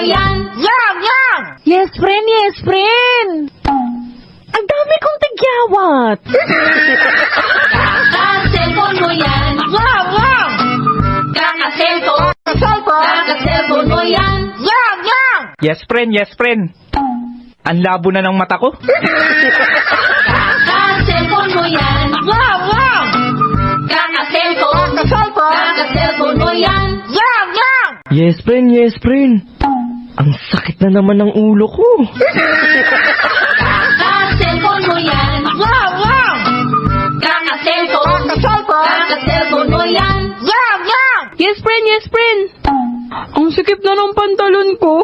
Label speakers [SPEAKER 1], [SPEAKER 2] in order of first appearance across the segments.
[SPEAKER 1] yan.
[SPEAKER 2] Yang!
[SPEAKER 3] Yes, friend! Ang dami kong tagyawat.
[SPEAKER 1] Kaka-cellphone mo yan.
[SPEAKER 2] Yang!
[SPEAKER 1] Kaka-cellphone.
[SPEAKER 2] Cellphone!
[SPEAKER 1] Kaka-cellphone mo yan.
[SPEAKER 2] Yang!
[SPEAKER 4] Yes, friend. Ang labo na ng mata ko.
[SPEAKER 1] Kaka-cellphone mo yan.
[SPEAKER 2] Yang!
[SPEAKER 1] Kaka-cellphone.
[SPEAKER 2] Cellphone!
[SPEAKER 1] Kaka-cellphone mo yan.
[SPEAKER 2] Yang!
[SPEAKER 3] Yes, friend. Ang sakit na naman ng ulo ko.
[SPEAKER 1] Kaka-cellphone mo yan.
[SPEAKER 2] Yang!
[SPEAKER 1] Kaka-cellphone.
[SPEAKER 2] Cellphone!
[SPEAKER 1] Kaka-cellphone mo yan.
[SPEAKER 2] Yang!
[SPEAKER 3] Yes, friend. Ang sikip na ng pantalon ko.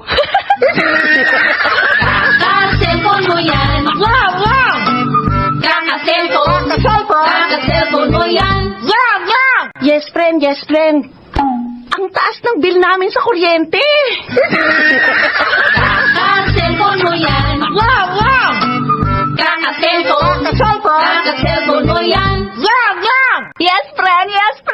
[SPEAKER 1] Kaka-cellphone mo yan.
[SPEAKER 2] Yang!
[SPEAKER 1] Kaka-cellphone.
[SPEAKER 2] Cellphone!
[SPEAKER 1] Kaka-cellphone mo yan.
[SPEAKER 2] Yang!
[SPEAKER 3] Yes, friend. Ang taas ng bill namin sa kuryente.
[SPEAKER 1] Kaka-cellphone mo yan.
[SPEAKER 2] Yang!
[SPEAKER 1] Kaka-cellphone.
[SPEAKER 2] Cellphone!
[SPEAKER 1] Kaka-cellphone mo yan.
[SPEAKER 2] Yang!
[SPEAKER 3] Yes, friend.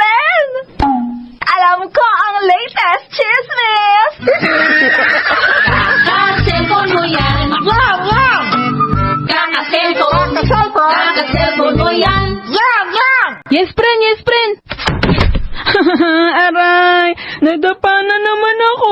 [SPEAKER 3] Alam ko ang latest chismis.
[SPEAKER 1] Kaka-cellphone mo yan.
[SPEAKER 2] Yang!
[SPEAKER 1] Kaka-cellphone.
[SPEAKER 2] Cellphone!
[SPEAKER 1] Kaka-cellphone mo yan.
[SPEAKER 2] Yang!
[SPEAKER 3] Yes, friend. Aray, nadapa na naman ako.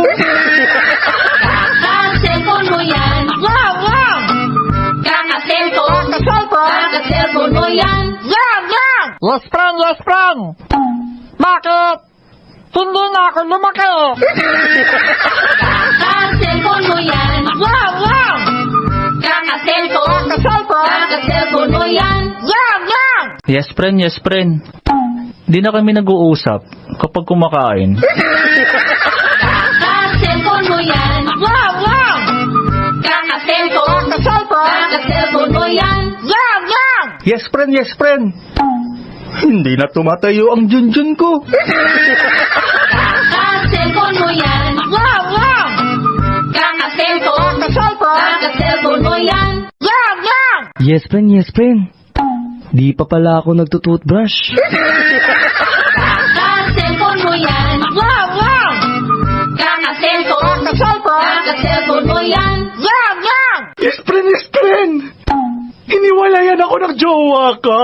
[SPEAKER 1] Kaka-cellphone mo yan.
[SPEAKER 2] Yang!
[SPEAKER 1] Kaka-cellphone.
[SPEAKER 2] Cellphone!
[SPEAKER 1] Kaka-cellphone mo yan.
[SPEAKER 2] Yang!
[SPEAKER 4] Yes, friend. Bakit? Hindi na ako lumaki.
[SPEAKER 1] Kaka-cellphone mo yan.
[SPEAKER 2] Yang!
[SPEAKER 1] Kaka-cellphone.
[SPEAKER 2] Cellphone!
[SPEAKER 1] Kaka-cellphone mo yan.
[SPEAKER 2] Yang!
[SPEAKER 4] Yes, friend. Di na kami nag-uusap kapag kumakain.
[SPEAKER 1] Kaka-cellphone mo yan.
[SPEAKER 2] Yang!
[SPEAKER 1] Kaka-cellphone.
[SPEAKER 2] Cellphone!
[SPEAKER 1] Kaka-cellphone mo yan.
[SPEAKER 2] Yang!
[SPEAKER 4] Yes, friend. Hindi na tumatayo ang junjun ko.
[SPEAKER 1] Kaka-cellphone mo yan.
[SPEAKER 2] Yang!
[SPEAKER 1] Kaka-cellphone.
[SPEAKER 2] Cellphone!
[SPEAKER 1] Kaka-cellphone mo yan.
[SPEAKER 2] Yang!
[SPEAKER 3] Yes, friend. Di pa pala ako nagtutoothbrush.
[SPEAKER 1] Kaka-cellphone mo yan.
[SPEAKER 2] Yang!
[SPEAKER 1] Kaka-cellphone.
[SPEAKER 2] Cellphone!
[SPEAKER 1] Kaka-cellphone mo yan.
[SPEAKER 2] Yang!
[SPEAKER 4] Yes, friend. Hiniwalayan ako ng jowa ka.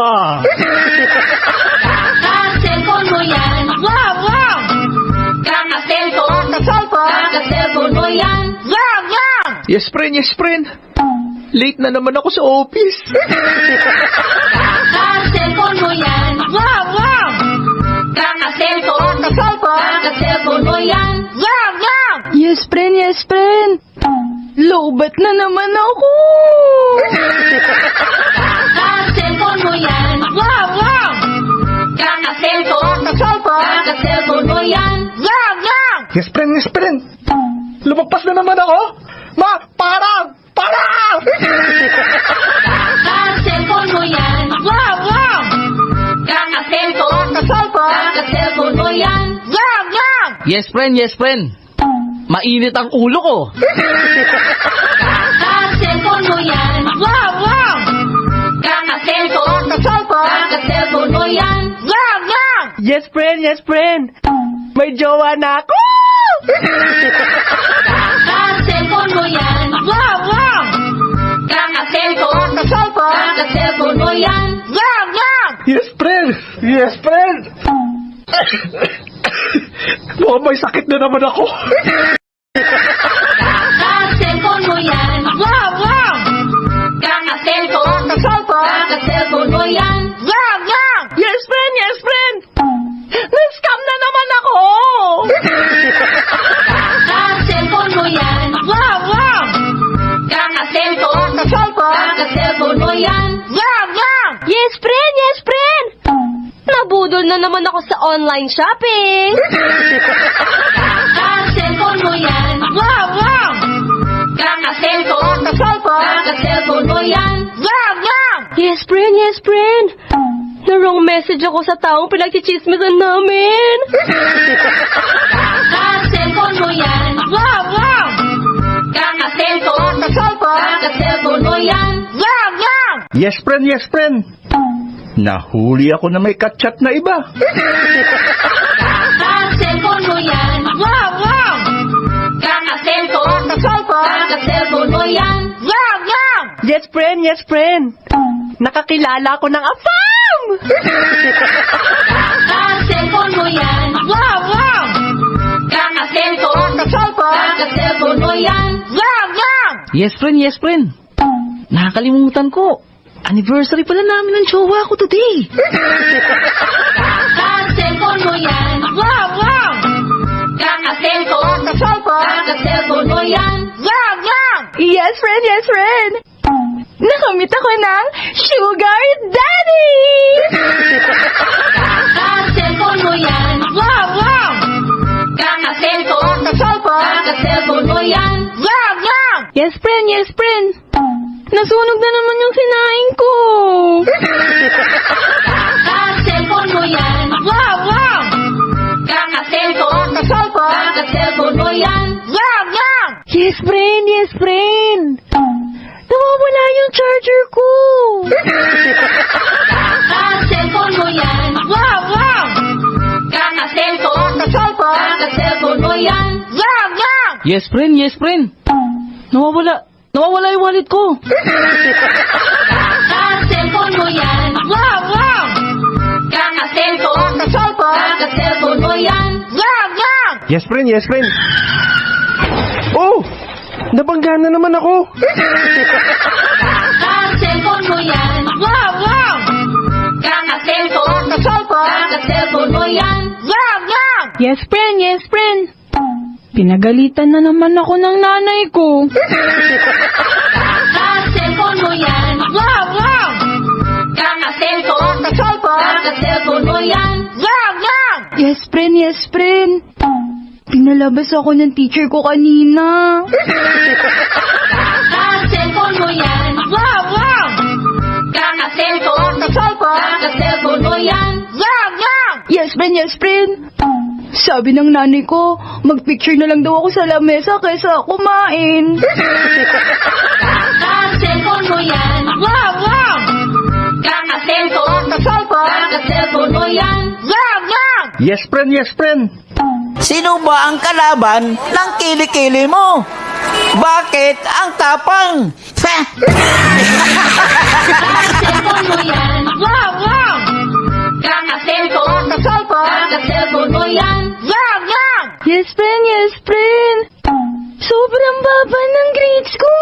[SPEAKER 1] Kaka-cellphone mo yan.
[SPEAKER 2] Yang!
[SPEAKER 1] Kaka-cellphone.
[SPEAKER 2] Cellphone!
[SPEAKER 1] Kaka-cellphone mo yan.
[SPEAKER 2] Yang!
[SPEAKER 4] Yes, friend. Late na naman ako sa office.
[SPEAKER 1] Kaka-cellphone mo yan.
[SPEAKER 2] Yang!
[SPEAKER 1] Kaka-cellphone.
[SPEAKER 2] Cellphone!
[SPEAKER 1] Kaka-cellphone mo yan.
[SPEAKER 2] Yang!
[SPEAKER 3] Yes, friend. Lowbat na naman ako.
[SPEAKER 1] Kaka-cellphone mo yan.
[SPEAKER 2] Yang!
[SPEAKER 1] Kaka-cellphone.
[SPEAKER 2] Cellphone!
[SPEAKER 1] Kaka-cellphone mo yan.
[SPEAKER 2] Yang!
[SPEAKER 4] Yes, friend. Lumagpas na naman ako. Parang!
[SPEAKER 1] Kaka-cellphone mo yan.
[SPEAKER 2] Yang!
[SPEAKER 1] Kaka-cellphone.
[SPEAKER 2] Cellphone!
[SPEAKER 1] Kaka-cellphone mo yan.
[SPEAKER 2] Yang!
[SPEAKER 3] Yes, friend. Mainit ang ulo ko.
[SPEAKER 1] Kaka-cellphone mo yan.
[SPEAKER 2] Yang!
[SPEAKER 1] Kaka-cellphone.
[SPEAKER 2] Cellphone!
[SPEAKER 1] Kaka-cellphone mo yan.
[SPEAKER 2] Yang!
[SPEAKER 3] Yes, friend. May jowa na ako.
[SPEAKER 1] Kaka-cellphone mo yan.
[SPEAKER 2] Yang!
[SPEAKER 1] Kaka-cellphone.
[SPEAKER 2] Cellphone!
[SPEAKER 1] Kaka-cellphone mo yan.
[SPEAKER 2] Yang!
[SPEAKER 4] Yes, friend. Mukhang may sakit na naman ako.
[SPEAKER 1] Kaka-cellphone mo yan.
[SPEAKER 2] Yang!
[SPEAKER 1] Kaka-cellphone.
[SPEAKER 2] Cellphone!
[SPEAKER 1] Kaka-cellphone mo yan.
[SPEAKER 2] Yang!
[SPEAKER 3] Yes, friend. Na-scam na naman ako.
[SPEAKER 1] Kaka-cellphone mo yan.
[SPEAKER 2] Yang!
[SPEAKER 1] Kaka-cellphone.
[SPEAKER 2] Cellphone!
[SPEAKER 1] Kaka-cellphone mo yan.
[SPEAKER 2] Yang!
[SPEAKER 3] Yes, friend. Nabudol na naman ako sa online shopping.
[SPEAKER 1] Kaka-cellphone mo yan.
[SPEAKER 2] Yang!
[SPEAKER 1] Kaka-cellphone.
[SPEAKER 2] Cellphone!
[SPEAKER 1] Kaka-cellphone mo yan.
[SPEAKER 2] Yang!
[SPEAKER 3] Yes, friend. Na-wrong message ako sa taong pinagchichismisan namin.
[SPEAKER 1] Kaka-cellphone mo yan.
[SPEAKER 2] Yang!
[SPEAKER 1] Kaka-cellphone.
[SPEAKER 2] Cellphone!
[SPEAKER 1] Kaka-cellphone mo yan.
[SPEAKER 2] Yang!
[SPEAKER 4] Yes, friend. Nahuli ako na may kachat na iba.
[SPEAKER 1] Kaka-cellphone mo yan.
[SPEAKER 2] Yang!
[SPEAKER 1] Kaka-cellphone. mo yan.
[SPEAKER 2] Yang! Yang!
[SPEAKER 3] Yes, friend. Yes, friend. Nakakilala ko ng afam!
[SPEAKER 1] Kaka-cellphone mo yan.
[SPEAKER 2] Yang! Yang!
[SPEAKER 1] Kaka-cellphone.
[SPEAKER 2] Kaka-cellphone.
[SPEAKER 1] Kaka-cellphone mo yan.
[SPEAKER 2] Yang! Yang!
[SPEAKER 5] Yes, friend. Yes, friend. Nakakalimutan ko. Anniversary pala namin ng jowa ko today.
[SPEAKER 1] Kaka-cellphone mo yan.
[SPEAKER 2] Yang! Yang!
[SPEAKER 1] Kaka-cellphone.
[SPEAKER 2] Kaka-cellphone.
[SPEAKER 1] Kaka-cellphone mo yan.
[SPEAKER 2] Yang! Yang!
[SPEAKER 3] Yes, friend. Yes, friend. Nakamit ako ng sugar daddy!
[SPEAKER 1] Kaka-cellphone mo yan.
[SPEAKER 2] Yang! Yang!
[SPEAKER 1] Kaka-cellphone.
[SPEAKER 2] Kaka-cellphone.
[SPEAKER 1] Kaka-cellphone mo yan.
[SPEAKER 2] Yang! Yang!
[SPEAKER 3] Yes, friend. Yes, friend. Nasunog na naman yung sinaing ko.
[SPEAKER 1] Kaka-cellphone mo yan.
[SPEAKER 2] Yang! Yang!
[SPEAKER 1] Kaka-cellphone.
[SPEAKER 2] Kaka-cellphone.
[SPEAKER 1] Kaka-cellphone mo yan.
[SPEAKER 2] Yang! Yang!
[SPEAKER 3] Yes, friend. Yes, friend. Nawawala yung charger ko.
[SPEAKER 1] Kaka-cellphone mo yan.
[SPEAKER 2] Yang! Yang!
[SPEAKER 1] Kaka-cellphone.
[SPEAKER 2] Kaka-cellphone.
[SPEAKER 1] Kaka-cellphone mo yan.
[SPEAKER 2] Yang! Yang!
[SPEAKER 5] Yes, friend. Yes, friend. Nawawala yung wallet ko.
[SPEAKER 1] Kaka-cellphone mo yan.
[SPEAKER 2] Yang! Yang!
[SPEAKER 1] Kaka-cellphone.
[SPEAKER 2] Kaka-cellphone.
[SPEAKER 1] Kaka-cellphone mo yan.
[SPEAKER 2] Yang! Yang!
[SPEAKER 6] Yes, friend. Yes, friend. Oh! Nabangga na naman ako.
[SPEAKER 1] Kaka-cellphone mo yan.
[SPEAKER 2] Yang! Yang!
[SPEAKER 1] Kaka-cellphone.
[SPEAKER 2] Kaka-cellphone.
[SPEAKER 1] Kaka-cellphone mo yan.
[SPEAKER 2] Yang! Yang!
[SPEAKER 3] Yes, friend. Yes, friend. Pinagalitan na naman ako ng nanay ko.
[SPEAKER 1] Kaka-cellphone mo yan.
[SPEAKER 2] Yang! Yang!
[SPEAKER 1] Kaka-cellphone.
[SPEAKER 2] Kaka-cellphone.
[SPEAKER 1] Kaka-cellphone mo yan.
[SPEAKER 2] Yang! Yang!
[SPEAKER 3] Yes, friend. Yes, friend. Pinalabas ako ng teacher ko kanina.
[SPEAKER 1] Kaka-cellphone mo yan.
[SPEAKER 2] Yang! Yang!
[SPEAKER 1] Kaka-cellphone.
[SPEAKER 2] Kaka-cellphone.
[SPEAKER 1] Kaka-cellphone mo yan.
[SPEAKER 2] Yang! Yang!
[SPEAKER 3] Yes, friend. Yes, friend. Sabi ng nanay ko, magpicture na lang daw ako sa lamesa kaysa kumain.
[SPEAKER 1] Kaka-cellphone mo yan.
[SPEAKER 2] Yang! Yang!
[SPEAKER 1] Kaka-cellphone.
[SPEAKER 2] Kaka-cellphone.
[SPEAKER 1] Kaka-cellphone mo yan.
[SPEAKER 2] Yang! Yang!
[SPEAKER 6] Yes, friend. Yes, friend.
[SPEAKER 7] Sino ba ang kalaban ng kilikili mo? Bakit ang tapang?
[SPEAKER 1] Kaka-cellphone mo yan.
[SPEAKER 2] Yang! Yang!
[SPEAKER 1] Kaka-cellphone.
[SPEAKER 2] Kaka-cellphone.
[SPEAKER 1] Kaka-cellphone mo yan.
[SPEAKER 2] Yang! Yang!
[SPEAKER 3] Yes, friend. Yes, friend. Sobrang baba ng grades ko.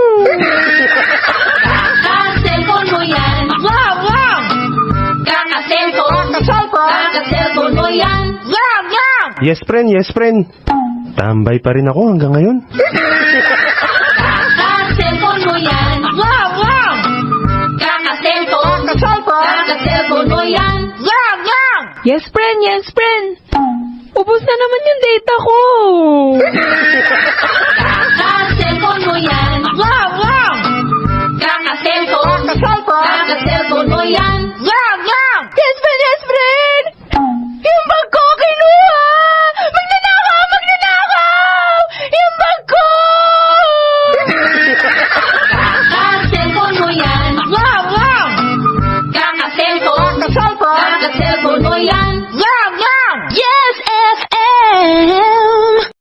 [SPEAKER 1] Kaka-cellphone mo yan.
[SPEAKER 2] Yang! Yang!
[SPEAKER 1] Kaka-cellphone.
[SPEAKER 2] Kaka-cellphone.
[SPEAKER 1] Kaka-cellphone mo yan.
[SPEAKER 2] Yang! Yang!
[SPEAKER 6] Yes, friend. Yes, friend. Tambay pa rin ako hanggang ngayon.
[SPEAKER 1] Kaka-cellphone mo yan.
[SPEAKER 2] Yang! Yang!
[SPEAKER 1] Kaka-cellphone.
[SPEAKER 2] Kaka-cellphone.
[SPEAKER 1] Kaka-cellphone mo yan.
[SPEAKER 2] Yang! Yang!
[SPEAKER 3] Yes, friend. Yes, friend. Ubus na naman yung data ko.
[SPEAKER 1] Kaka-cellphone mo yan.
[SPEAKER 2] Yang!